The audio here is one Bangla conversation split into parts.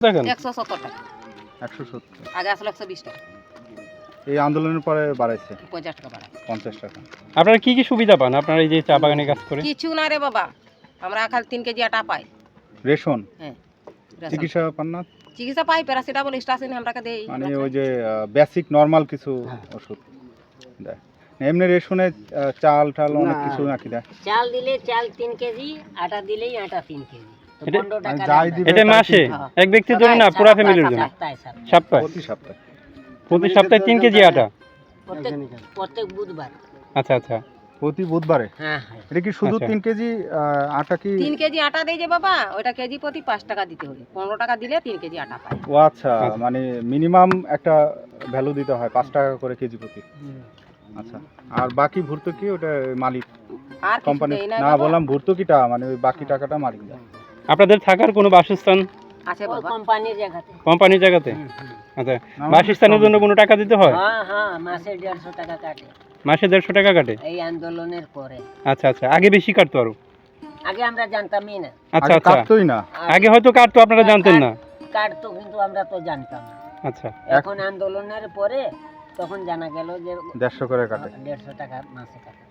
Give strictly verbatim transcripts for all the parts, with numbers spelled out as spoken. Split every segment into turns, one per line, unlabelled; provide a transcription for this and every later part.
দেখেন
একশো সত্তর টাকা
একশো সত্তর
আগে আসলে একশো বিশ টাকা
এই আন্দোলনের পরে বাড়াইছে
পঞ্চাশ টাকা বাড়ায়
পঞ্চাশ টাকা।
আপনারা কি কি সুবিধা পান আপনারা এই যে চা বাগানে কাজ করে?
কিছু না রে বাবা, আমরা খালি তিন কেজি আটা পাই।
রেশন?
হ্যাঁ, রেশন।
চিকিৎসা পান না?
চিকিৎসা পাই, প্যারাসিটামল স্টাসিন আমরাকে দেই।
মানে ওই যে বেসিক নরমাল কিছু
হ্যাঁ।
ওষুধ দেয় এমনি রেশনে? আহ, চাল টাল অনেক
না।
কিছু নাকি দেয়?
চাল দিলে চাল তিন কেজি, আটা দিলেই আটা তিন কেজি। তো
এটা-
পনেরো
মানে
টাকা
যাই
দাম।
দিবে
এটা
তাই
মাসে
কিনতে হবে।
এক ব্যক্তির জন্য না পুরো ফ্যামিলির জন্য?
সপ্তাহে সপ্তাহে।
সপ্তাহে
প্রতি সপ্তাহে?
প্রতি সপ্তাহে তিন কেজি আটা?
প্রত্যেক প্রত্যেক বুধবার।
আচ্ছা আচ্ছা
প্রতি বুধবারে?
হ্যাঁ হ্যাঁ।
এটা কি শুধু
আচ্ছা।
তিন কেজি আহ, আটা কি?
তিন কেজি আটা দেই যে বাবা, ওইটা কেজি প্রতি পাঁচ টাকা দিতে হবে। পনেরো টাকা দিলে তিন কেজি আটা পাই।
ও আচ্ছা, মানে মিনিমাম একটা ভ্যালু দিতে হয় পাঁচ টাকা করে কেজি প্রতি। আচ্ছা, আর বাকি ভর্তুকি ওটা মালিক
আর কিছু
কোম্পানি?
দেই না
না,
বাবা।
বললাম ভর্তুকিটা মানে ওই বাকি টাকাটা মালিক দেয়।
আপনাদের থাকার কোনো বাসস্থান
আছে
ওই
বাবা।
কোম্পানির জায়গাতে।
কোম্পানির জায়গাতে?
হুম, হুম।
আচ্ছা,
আমার
বাসস্থানের জন্য কোনো টাকা দিতে হয়?
হ্যাঁ হ্যাঁ, মাসে দেড়শো টাকা কাটে
মাসে দেড়শো টাকা কাটে?
এই আন্দোলনের পরে।
আচ্ছা আচ্ছা, আগে বেশি কাটতো আরো?
আগে আমরা জানতামই না।
আচ্ছা
আগে
আচ্ছা,
কাটতোই না?
আর
আগে হয়তো কাটতো আপনারা জানতেন না?
কাটতো কিন্তু আমরা তো জানতাম না।
আচ্ছা
এখন আন্দোলনের পরে তখন জানা গেল যে
দেড়শো করে কাটে।
দেড়শো টাকা মাসে কাটে।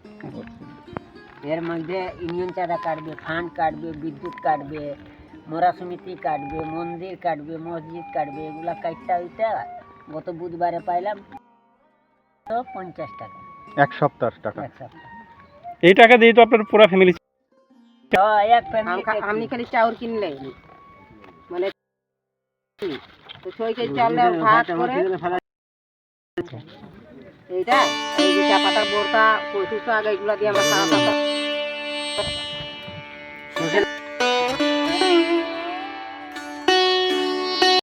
এর মধ্যে ইউনিয়ন চাঁদা কাটবে, ফান্ড কাটবে, বিদ্যুৎ কাটবে, মোরা সমিতি কাটবে, মন্দির কাটবে, মসজিদ কাটবে, এগুলা কাটটা ওইটা গত বুধবারে পাইলাম তো পঞ্চাশ টাকা
এক সপ্তাহ টাকা?
এক সপ্তাহ।
এই টাকা দিয়ে তো আপনার পুরো ফ্যামিলি?
তো এক
আম-
ফ্যামিলিতে
আপনি খালি চাউল কিনলে মানে তো ছয় কেজি চাল ভাত করে এইটা এই যে চা পাতার বোরটা পঁচিশশো আগে এগুলা দিয়ে আমরা সারা সপ্তাহ